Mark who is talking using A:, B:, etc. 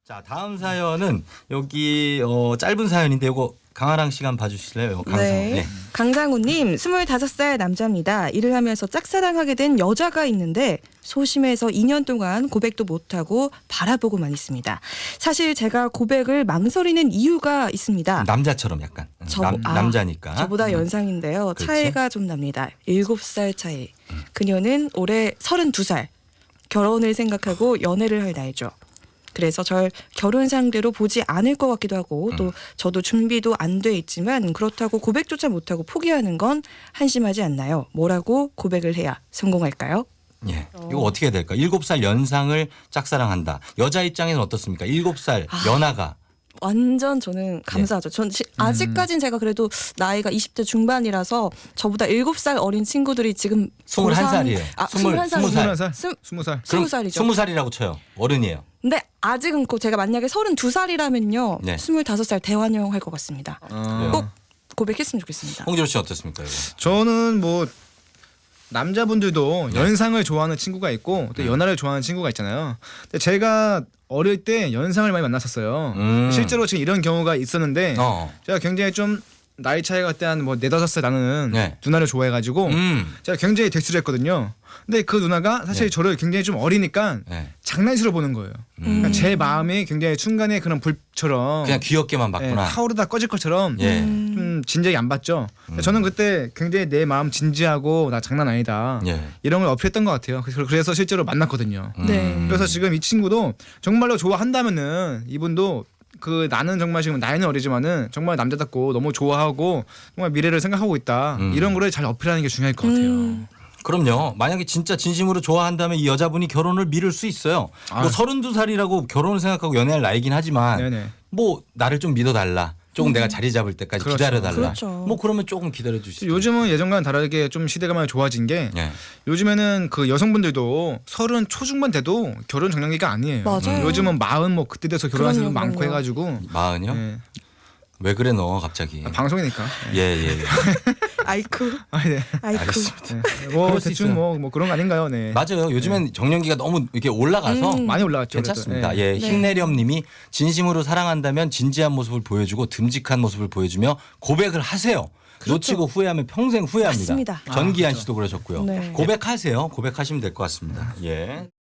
A: 자, 다음 사연은 여기 짧은 사연인데 이거 강아랑 시간 봐주실래요? 이거 강상우.
B: 네. 강상우님 25살 남자입니다. 일을 하면서 짝사랑하게 된 여자가 있는데 소심해서 2년 동안 고백도 못하고 바라보고만 있습니다. 사실 제가 고백을 망설이는 이유가 있습니다.
A: 남자처럼 약간 남자니까.
B: 저보다 연상인데요.
A: 그렇지?
B: 차이가 좀 납니다. 7살 차이. 그녀는 올해 32살. 결혼을 생각하고 연애를 할 나이죠. 그래서 절 결혼 상대로 보지 않을 것 같기도 하고 또 저도 준비도 안 돼 있지만 그렇다고 고백조차 못하고 포기하는 건 한심하지 않나요? 뭐라고 고백을 해야 성공할까요?
A: 예. 이거 어떻게 해야 될까? 7살 연상을 짝사랑한다. 여자 입장에는 어떻습니까? 7살 연하가.
B: 완전 저는 감사하죠. 전 아직까진 제가 그래도 나이가 20대 중반이라서 저보다 7살 어린 친구들이 지금
A: 21살이에요.
B: 21살.
C: 20살.
B: 20살이죠.
A: 20살이라고 쳐요. 어른이에요.
B: 근데 아직은 제가 만약에 32살이라면요.
A: 네.
B: 25살 대환영 할 것 같습니다.
A: 그래요.
B: 꼭 고백했으면 좋겠습니다.
A: 홍지로 씨 어떻습니까? 이거?
C: 저는 뭐 남자분들도 연상을 좋아하는 친구가 있고 또 연하를 좋아하는 친구가 있잖아요. 근데 제가 어릴 때 연상을 많이 만났었어요. 실제로 지금 이런 경우가 있었는데 제가 굉장히 좀 나이 차이가 그때 한 뭐 4-5살 나는
A: 네.
C: 누나를 좋아해가지고 제가 굉장히 대수를 했거든요. 근데 그 누나가 사실
A: 네.
C: 저를 굉장히 좀 어리니까
A: 네.
C: 장난식으로 보는 거예요. 그러니까 제 마음이 굉장히 순간에 그런 불처럼
A: 그냥 귀엽게만 봤구나.
C: 타오르다 꺼질 것처럼
A: 예.
C: 좀 진지하게 안 봤죠. 저는 그때 굉장히 내 마음 진지하고 나 장난 아니다.
A: 예.
C: 이런 걸 어필했던 것 같아요. 그래서 실제로 만났거든요.
B: 네.
C: 그래서 지금 이 친구도 정말로 좋아한다면은 이분도 그 나는 정말 지금 나이는 어리지만은 정말 남자답고 너무 좋아하고 정말 미래를 생각하고 있다. 이런 거를 잘 어필하는 게 중요할 것 같아요.
A: 그럼요. 만약에 진짜 진심으로 좋아한다면 이 여자분이 결혼을 미룰 수 있어요. 뭐 32살이라고 결혼을 생각하고 연애할 나이긴 하지만
C: 네네.
A: 뭐 나를 좀 믿어달라. 조금 내가 자리 잡을 때까지
C: 그렇죠.
A: 기다려달라.
B: 그렇죠.
A: 뭐 그러면 조금 기다려줄 수 있어요.
C: 요즘은 예전과는 다르게 좀 시대가 많이 좋아진 게
A: 예.
C: 요즘에는 그 여성분들도 30 초중반 돼도 결혼 정년기가 아니에요.
B: 맞아요.
C: 요즘은 40 뭐 그때 돼서 결혼하는 사람
B: 그럼요,
C: 많고
B: 그럼요.
C: 해가지고
A: 마흔이요?
C: 예.
A: 왜 그래 너 갑자기?
C: 방송이니까.
A: 예.
B: 아이쿠.
C: 네.
B: 아이쿠.
A: 알겠습니다.
C: 뭐
A: 그럴 수
C: 대충
A: 있어요.
C: 뭐 그런 거 아닌가요? 네.
A: 맞아요. 요즘엔 정년기가 너무 이렇게 올라가서
C: 많이 올라갔죠.
A: 괜찮습니다.
C: 그래도.
A: 예, 힘내렴님이 진심으로 사랑한다면 진지한 모습을 보여주고 듬직한 모습을 보여주며 고백을 하세요. 놓치고 후회하면 평생 후회합니다.
B: 맞습니다.
A: 전기한 씨도 그러셨고요.
B: 네.
A: 고백하세요. 고백하시면 될 것 같습니다. 예.